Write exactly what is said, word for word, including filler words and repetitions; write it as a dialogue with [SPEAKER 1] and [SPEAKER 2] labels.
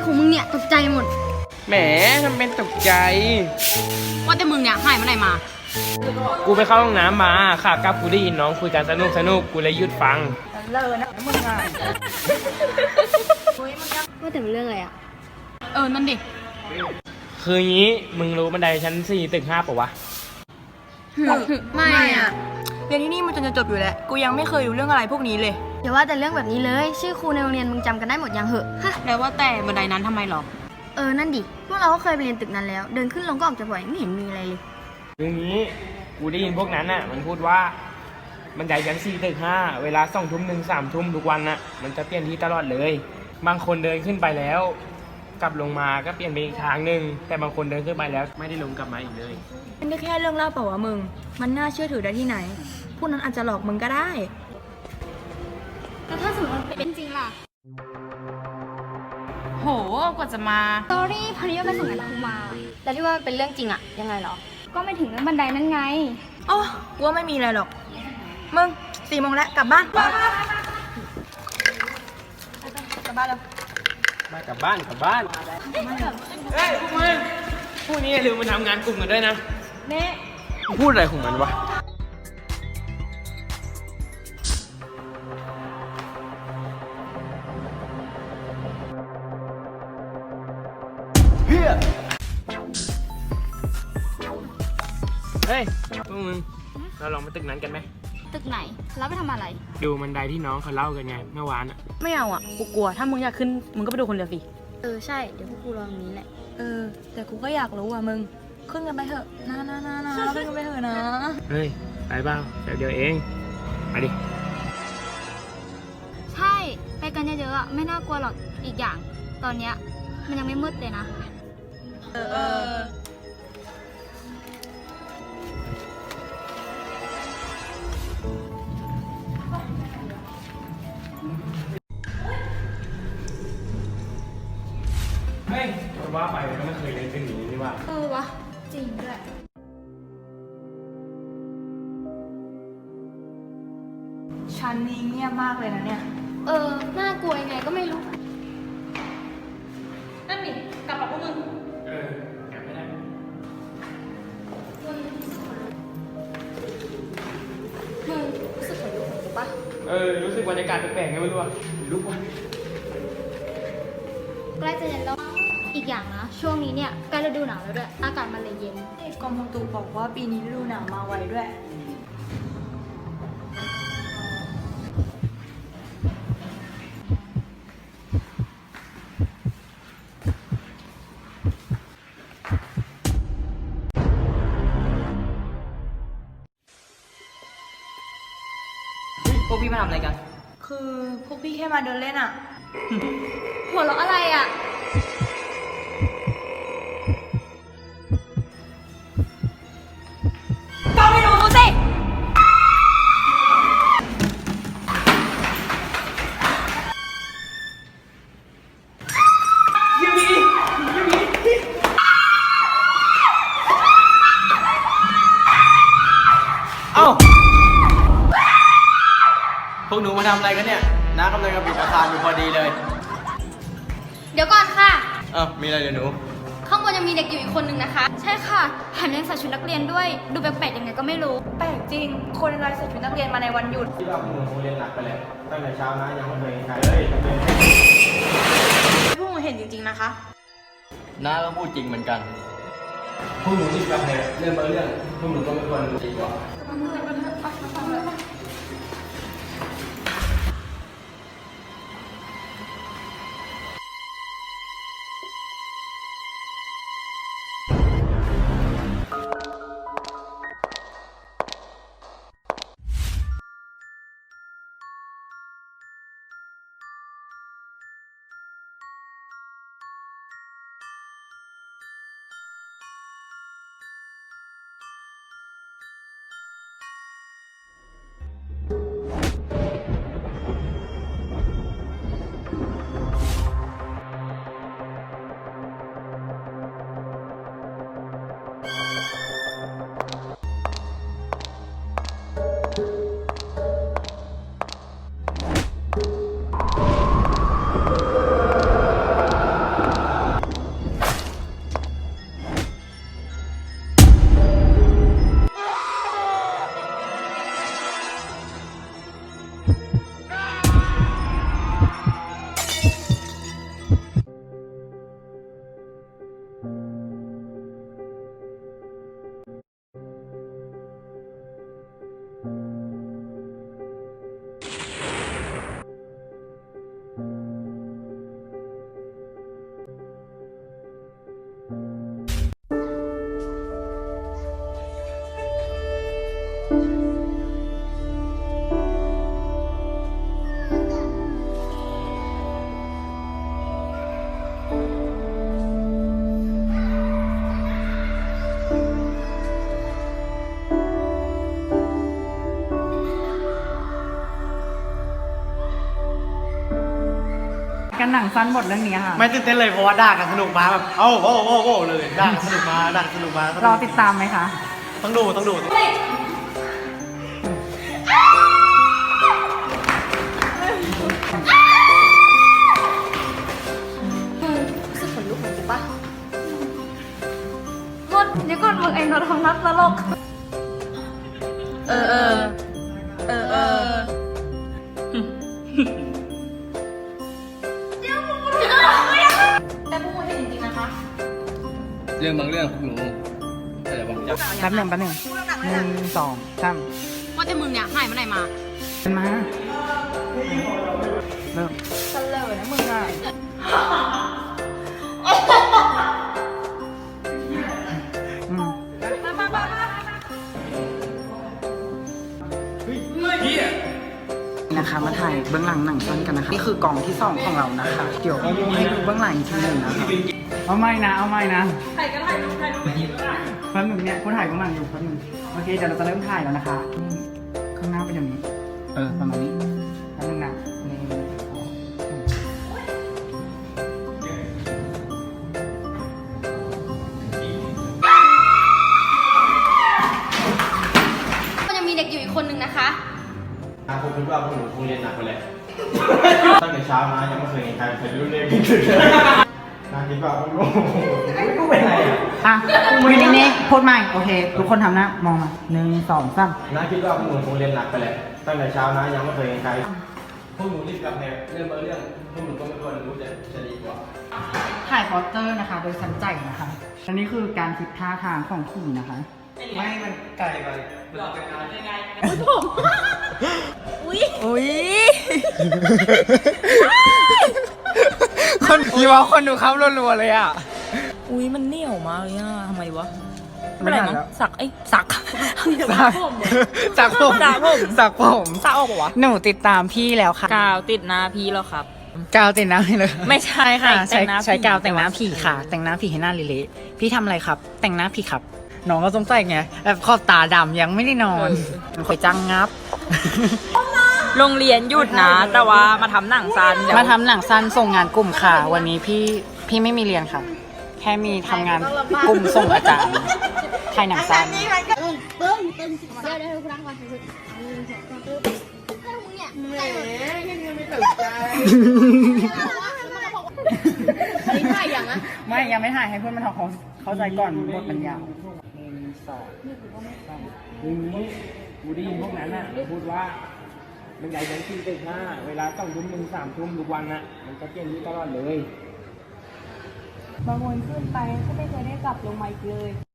[SPEAKER 1] ของมึงเนี่ยตกใจหมด
[SPEAKER 2] แหมทำเป็นตกใจ
[SPEAKER 3] ว่าแต่มึงเนี่ยหายเมื่อไหร่มา
[SPEAKER 2] กูไปเข้าห้องน้ำมาค่ะกับกูได้ยินน้องคุยกันสนุกสนุกกูเลยหยุดฟัง
[SPEAKER 4] เลยนะมึงอ่ะ
[SPEAKER 1] ว่าแต่เป็นเรื่องอะไรอ่ะ
[SPEAKER 3] เออนั่นดิ
[SPEAKER 2] คืองี้มึงรู้บันไดชั้นสี่ตึกห้าปะวะ
[SPEAKER 1] ไม่อ่ะ
[SPEAKER 4] เรียนที่นี่มันจนจะจบอยู่แล้วกูยังไม่เคยรู้เรื่องอะไรพวกนี้เลย
[SPEAKER 1] อย่าว่าแต่เรื่องแบบนี้เลยชื่อครูในโรงเรียนมึงจำกันได้หมดยังเหอะฮะ
[SPEAKER 3] แล้วว่าแต่บันไดนั้นทำไมหรอ
[SPEAKER 1] เออนั่นดิพวกเราก็เคยไปเรียนตึกนั้นแล้วเดินขึ้นลงก็ออกจะบ่อยไม่เห็นมีอะไรเลย
[SPEAKER 2] คืองี้กูได้ยินพวกนั้นน่ะมันพูดว่าบันไดชั้นสี่ตึกห้าเวลาสองทุ่มหนึ่งสามทุ่มทุกวันน่ะมันจะเปลี่ยนที่ตลอดเลยบางคนเดินขึ้นไปแล้วกลับลงมาก็เปลี่ยนไปอีกทางหนึ่งแต่บางคนเดินขึ้นไปแล้วไม่ได้ลงกลับมาอีกเลย
[SPEAKER 4] มันก็แค่เรื่องเล่าเปล่าวะมึงมันน่าเชื่อถือได้ที่ไหนพวกนั้นอาจจะหลอกมึงก็ได้
[SPEAKER 1] แล้วถ้าสมมติมันเป็นจริงล่ะ
[SPEAKER 3] โหกว่าจะมา
[SPEAKER 1] สตอรี่พอดีว่าไปส่งงานครูมาแต่ที่ว่าเป็นเรื่องจริงอะยังไงหรอก็ไม่ถึงเรื่องบันไดนั่นไง
[SPEAKER 4] อ๋อกูว่าไม่มีอะไรหรอกมึงสี่โมงแล้วกลับบ้านกลับบ้านแล้ว
[SPEAKER 2] มากลับบ้านกลับบ้านเฮ้ยพวกมึงพวกนี้อย่าลืมมาทำงานกลุ่มกันด้วยนะ
[SPEAKER 4] เน่
[SPEAKER 2] พูดอะไรของมันวะเฮ้ยเฮ้ยพวกมึงเราลองไปตึกนั้นกันไหม
[SPEAKER 1] ตึกไหนแล้วไปทำอะไร
[SPEAKER 2] ดูบันไดที่น้องเขาเล่ากันไงเมื่อวานอะ
[SPEAKER 4] ไม่เอาอ่ะกูกลัวถ้ามึงอยากขึ้นมึงก็ไปดูคนเดียวสิ
[SPEAKER 1] เออใช่เดี๋ยวพวกกูรอตรงนี้แหละ
[SPEAKER 4] เออแต่กูก็อยากรู้อ่ะมึงขึ้นกันไปเถอะนะนะนะนะขึ้นกันไปเถอะนะ
[SPEAKER 2] เฮ้ยไปเปล่าเดี๋ยวเดียวเองไปดิ
[SPEAKER 1] ใช่ไปกันเยอะๆอ่ะไม่น่ากลัวหรอกอีกอย่างตอนเนี้ยมันยังไม่มืดเลยนะ
[SPEAKER 4] เออเออ
[SPEAKER 2] เฮ้ยว่าไปก็ไม่เคยเล่นเป็นอย่างนี้นี่ว่า
[SPEAKER 1] เออวะจริงด้วย
[SPEAKER 4] ชั้นนี้เงียบมากเลยนะเนี่ย
[SPEAKER 1] เออน่ากลัวยังไงก็ไม่รู้
[SPEAKER 3] นั่นนี่กลับกับพวกมึง
[SPEAKER 2] เออกลับไม่ได้
[SPEAKER 1] มึงรู้สึกขนลุกขนลุกปะ
[SPEAKER 2] เออรู้สึกบรรยากาศแปลกๆไงไม่รู้อ่ะลุกว่ะ
[SPEAKER 1] ใกล้จะเย็นแล้วอีกอย่างนะช่วงนี้เนี่ยใกล้ฤดูหนาวแล้วด้วยอากาศมันเลยเย็น
[SPEAKER 4] กรมอุตุบอกว่าปีนี้ฤดูหนาวมาไวด้วย
[SPEAKER 5] พวกพี่มาทำอะไรกัน
[SPEAKER 4] คือพวกพี่แค่มาเดินเล่นอ่ะ
[SPEAKER 1] หัวเราะอะไรอ่ะ
[SPEAKER 4] ก็ไม่รู้สิ
[SPEAKER 2] ยูบียูบีเอ้า
[SPEAKER 5] พวกหนูมาทำอะไรกันเนี่ยน้ากำลังจะปิดอาคารอยู่พอดีเลย
[SPEAKER 1] เดี๋ยวก่อนค่ะ
[SPEAKER 5] เอ้ามีอะไรเดี๋ยวหนู
[SPEAKER 1] ข้างบนยังมีเด็กอยู่อีกคนนึงนะคะใช่ค่ะแถมยังใส่ชุดนักเรียนด้วยดูแปลกๆยังไงก็ไม่รู้
[SPEAKER 4] แปลกจริงคนอะไรใส่ชุดนักเรียนมาในวันหยุด
[SPEAKER 2] ที่เราพวกหนูเรียนหนักไปแล้วตั้งแต่เช้านะยังไม่เคยเห็นใครเลย
[SPEAKER 4] พวกหนูเห็นจริงๆนะคะ
[SPEAKER 5] น้าก็พูดจริงเหมือนกัน
[SPEAKER 2] พวกหนูที่กลับไปเรื่องบางเรื่องพวกหนูก็ไม่ควรดีกว่า
[SPEAKER 6] นังสั้นบทเรื่องนี้ค่ะ
[SPEAKER 5] ไม่ตื่นเต้นเลยเพราะว่าด่ากันสนุกมาแบบเอ้าโอ้โอ้โอ้เลยด่ากันสนุกมาด่ากันสนุกมาร
[SPEAKER 6] อติดตามไหมคะ
[SPEAKER 5] ต้องดูต้องดู
[SPEAKER 1] โทษเดี๋ยวก่อนมึงเองเราทำนักตลก
[SPEAKER 3] เออเออเออเออ
[SPEAKER 1] แต่พวกมึงเห็นจริงๆนะคะ
[SPEAKER 5] เรื่องบางเรื่องพวกหนูแต่บางอย่าง
[SPEAKER 6] แป๊บหนึ่งแป๊บหนึ่งหนึ่งสองสาม
[SPEAKER 3] ว่าแต่มึงเนี่ยหายเมื่อไหร่มา
[SPEAKER 6] เป็นมาเริ่ม
[SPEAKER 4] เสลอนะมึงอ่ะ
[SPEAKER 6] อืมนะคะมาถ่ายเบื้องหลังหนังสั้นกันนะคะนี่คือกล่องที่สองของเรานะคะ เดี๋ยวให้ดูเบื้องหลังอีกทีหนึ่งนะคะเอาไม่นะเอาไม่นะถ่ายก็ถ่ายรูปถ่ายรูปไปอีกแล้วแป๊บหนึงเนี่ยกูถ่ายเบื้องหลังอยู่แป๊บหนึงโอเคเดี๋ยวเราจะเริ่มถ่ายแล้วนะคะนี่ข้างหน้าเป็นอย่างนี้ เออประมาณนี้แป๊บหนึงนะหนึ่งสองสาม
[SPEAKER 1] ก็ยังมีเด็กอยู่อีกคนนึงนะคะ
[SPEAKER 5] ผมคิดว่าพวกหนูคงเรียนหนักไปเลยตั้งแต่เช้ามายังไม่เคยเห็นใครเคยรู้เรื่องนี้เลยนาคิดว่าพวกหนูกูเป็นไรอ่ะ
[SPEAKER 6] อ่ะมือนี้นี่พูดใหม่โอเค ทุกคนทำหน้ามองมาหนึ่งสองสาม
[SPEAKER 5] นาคิดว่าพวกหนูคงเรียนหนักไปเลยตั้งแต่เช้านะยังไม่เคยเห็นใครพวกหนูรีบกลับเนี่ยเรื่องบางเรื่องพวกหนูก็ไม่ควรรู้จะจะดีกว่า
[SPEAKER 6] ถ่ายโปสเตอร์นะคะ โดยสันใจนะคะ อันนี้คือการคิดท่าทางของขี่นะคะ
[SPEAKER 5] ไม่มันไกลไปมันจะการยังไง
[SPEAKER 4] อุ้ย
[SPEAKER 2] คนพี่ว่าคนดูครับรัวๆเลยอ่ะ
[SPEAKER 4] อุ้ยมันเหนียวมากเลยอ่ะทำไมวะ
[SPEAKER 6] ไม่ได้แล้ว
[SPEAKER 4] สักไอ้สัก
[SPEAKER 2] จากผม
[SPEAKER 4] จากผม
[SPEAKER 2] จากผม
[SPEAKER 4] สักออกปะวะ
[SPEAKER 6] หนูติดตามพี่แล้วค่ะ
[SPEAKER 4] กาวติดหน้าพี่แล้วครับ
[SPEAKER 6] กาวแต่งหน้าให้เลย
[SPEAKER 4] ไม่ใช่ค่ะ
[SPEAKER 6] อ่าใช้
[SPEAKER 4] แต่งหน้า
[SPEAKER 6] ใช้
[SPEAKER 4] ผี
[SPEAKER 6] กาวแต่งหน้าผีค่ะ แต่งหน้าผีให้หน้าเละๆพี่ทำอะไรครับ แต่งหน้าผีครับ น้องก็สงสัยไงแบบขอบตาดำยังไม่ได้นอนคอยจังงับ
[SPEAKER 4] โรงเรียนหยุดนะ แต่ว่ามาทำหนังซันเดี๋ยว
[SPEAKER 6] มาทำหนังสั้นส่งงานกลุ่มค่ะ วันนี้พี่พี่ไม่มีเรียนค่ะ แค่มีทำงานกลุ่มส่งอาจารย์ถ่ายหนังสั้น
[SPEAKER 1] เบิ้งเบิ้งเดี๋ยวเดี๋ยวคุณรักก่อนหนึ่งสองสามปึ๊บให้มึงเนี่ยแหมยังไม่ตื่นใจอันนี้ถ่ายอย่างนะ
[SPEAKER 6] ไม่ยังไม่ถ่ายให้เพื่อนมันทำความเข้าใจก่อนบทมันยาวหนึ่งสองสาม
[SPEAKER 2] ทีนี้กูได้ยินพวกนั้นอ่ะพูดว่ามันใหญ่ยันสี่ตึกห้าเวลาสองทุ่มหนึ่งสามทุ่มทุกวันอ่ะมันจะเปลี่ยนที่ตลอดเลย
[SPEAKER 4] บางวันขึ้นไปก็ไม่เคยได้กลับลงมาอีกเลย